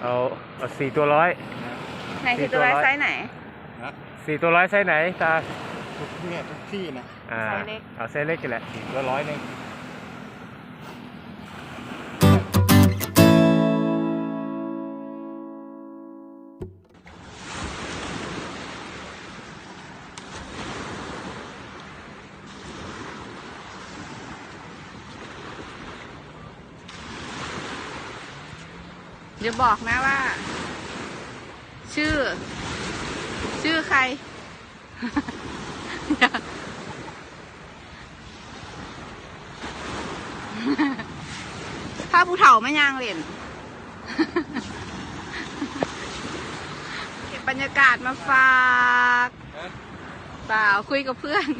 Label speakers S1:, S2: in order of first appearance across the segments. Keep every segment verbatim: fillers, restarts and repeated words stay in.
S1: เอาเอาสี่ตัวร้อย
S2: ไหนสี่ตัวร้อยไซส์ไหน
S1: สี่ตัวร้อยไซส์ไหนตา
S3: ทุกเนี่ยทุกที่นะ
S1: อ่า
S2: ไซส์เล็ก
S1: เอาไซส์เล็กกันแหละสี่ตัวร้อยหนึ่ง
S2: เดี๋ยวบอกนะว่า ชื่อ ชื่อใคร ถ้าผู้เฒ่าไม่ยางเล่น เก็บบรรยากาศมาฝากเปล่าคุยกับเพื่อน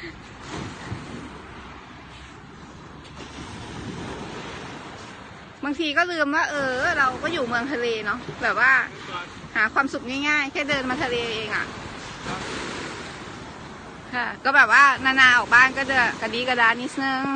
S2: บางทีก็ลืมว่าเออเราก็อยู่เมืองทะเลเนาะแบบว่าหาความสุขง่ายๆแค่เดินมาทะเลเองอ่ะค่ะก็แบบว่านาๆออกบ้านก็จะกระดีกระดานิดนึง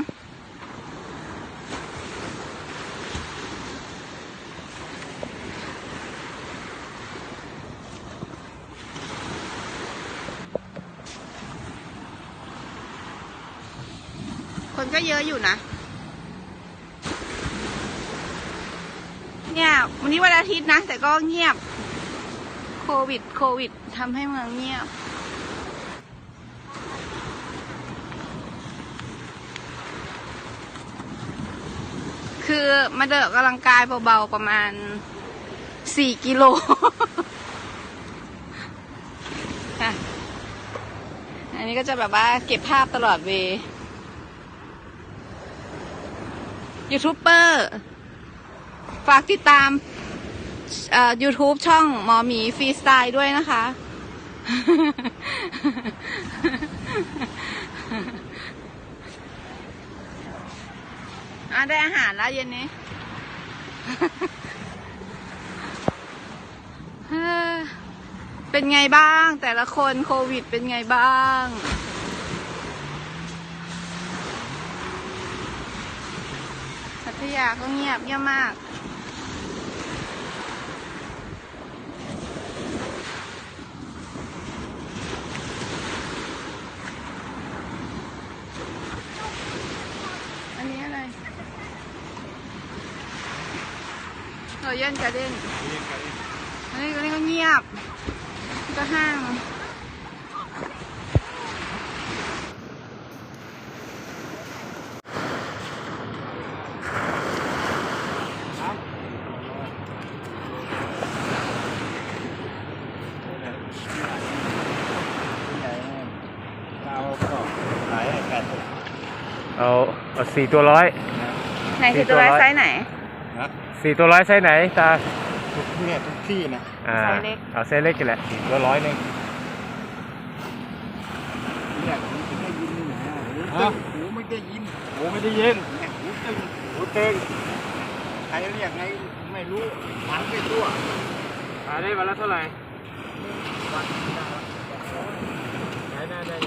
S2: คนก็เยอะอยู่นะเนี่ยวันนี้วันอาทิตย์นะแต่ก็เงียบโควิดโควิดทำให้เมืองเงียบคือมาเดินออกกำลังกายเบาๆประมาณสี่กิโลค่ะอันนี้ก็จะแบบว่าเก็บภาพตลอดเวย์ยูทูบเบอร์ฝากติดตามเอ่อ YouTube ช่องหมอหมีฟรีสไตล์ด้วยนะคะอ่ะได้อาหารแล้วเย็นนี้ เป็นไงบ้างแต่ละคนโควิดเป็นไงบ้างพัทยาก็เงียบเงียบมากอันนี้อะไรเราเย็นกระเด้นอันนี้ก็นี่ก็เงียบก็ห้าง
S1: เอาเอาสี่ตัวร้อย
S2: ไหนสี่ตัวร้อยไซส์ไหน
S1: สี่ตัวร้อยไซส์ไหนตา
S3: ทุกเนี่ยทุกที่นะ
S1: อ่าเอาไซส์เล็กกันแหละสี่ตัวร้อยหนึ่ง
S3: เนี่ยหูไม่ได้ยินนะหูไม่ได้ยินหูไม่ได้ยินหูตึงหูตึงใครเรียกไงไม่รู้มันไม่ตัว
S1: ขายได้วันละเท่าไหร่
S3: วัน
S1: ขายได้ได้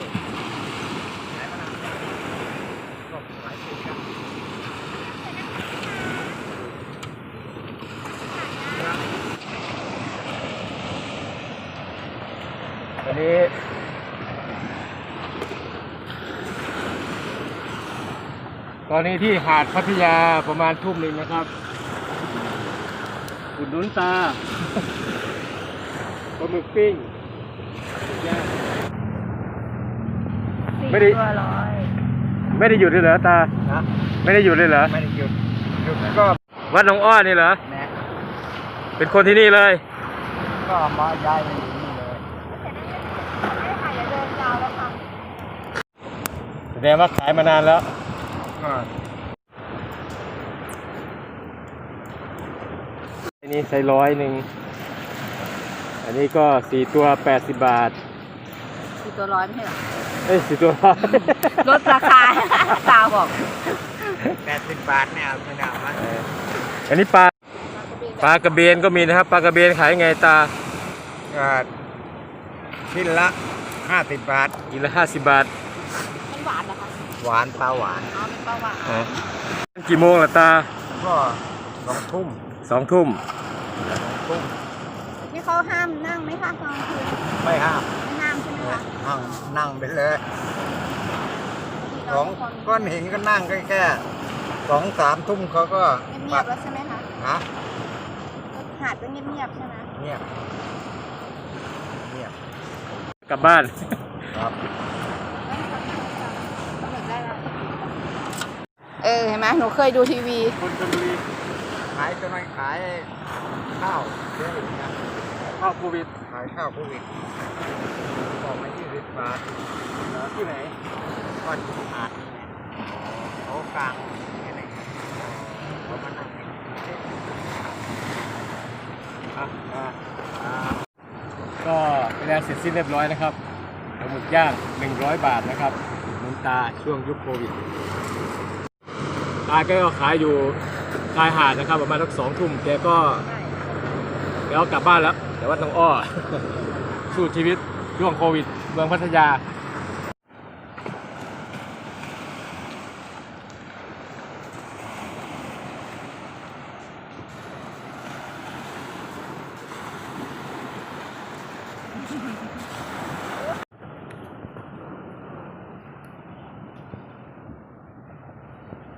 S1: วันนี้ตอนนี้ที่หาดพัทยาประมาณทุ่มหนึ่งนะครับอุดหนุนตาปลาหมึกปิ้งไม่ได้ไม่ได้หยุดเลยเหรอตาไม่ได้หยุดเลยเหรอ
S3: ไม่ได้หยุดหยุดก็
S1: วัดหนองอ้อนี่เหรอเป็นคนที่นี่เลย
S3: ก็มาย้ายมาอยู่นี่เลย
S1: แสดงว่าขายมานานแล้วอันนี้ใส่ร้อยหนึ่งอันนี้ก็สี่ตัวแปดสิบบาท
S2: สี่ตัวร้อยไม่ใช่หรอ
S1: เอ้ยสี่ตัวร้อย
S2: ลดราคาตาบอก
S3: แปดสิบบาทเนี่ยไม่ได้มา
S1: อันนี้ปลาปลากระเบนก็มีนะครับปลากระเบนขายไงตา
S3: ชิ้นละห้าสิบบาท
S1: กินละห้าสิบบาท
S2: มันหวานเหรอคะ
S3: หวานปลาหวาน
S2: อ๋อเป็นปลาหวาน
S1: กี่โมงล่ะตา
S3: ก็สองทุ่ม
S1: สองทุ่ม
S3: ตุ้ม
S2: นี่เขาห้ามนั่งไหมคะกลางคืน
S3: ไม่ห้าม
S2: ไม่ห้ามใช่ไหมคะ
S3: นั่งนั่งไปเลย
S2: พี่
S3: ส
S2: น้
S3: อ
S2: อง งทุกคน
S3: ก้อนหินก็นั่งแค่แค่สองสามทุ่มเขาก็
S2: เงียบๆแล้วใช่ไหมคะ
S3: ฮะ
S2: หาดก็เงียบๆใช่ไหม
S3: เงียบเงียบ
S1: กลับบ้าน
S3: ครับ
S2: เออเห็นไหมหนูเคยดูทีวี
S3: คนชลบุรีขายกำลังขายข้าวเยอะอยู่นะ
S1: เข้าโควิด
S3: ขายข้าวโควิดบอกมายี่สิบบาท
S1: ที่ไหน
S3: ก้อนอาดนี่ไงเขากลางแค่ไหนเขามานั่ง
S1: อ่ะอ่ะอ่ะก็เป็นงานเสร็จสิ้นเรียบร้อยนะครับปลาหมึกย่างหนึ่งร้อยบาทนะครับหนุนตาช่วงยุคโควิดตาแกก็ขายอยู่ชายหาดนะครับประมาณสักสองทุ่มแกก็แกก็กลับบ้านแล้ว แต่ว่าต้องอ้อ สู้ชีวิตช่วงโควิดเมืองพัทยา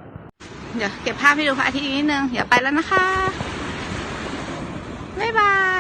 S2: เดี๋ยวเก็บภาพให้ดูพระอาทิตย์อีกนิดนึง เดี๋ยวไปแล้วนะคะ บ๊ายบาย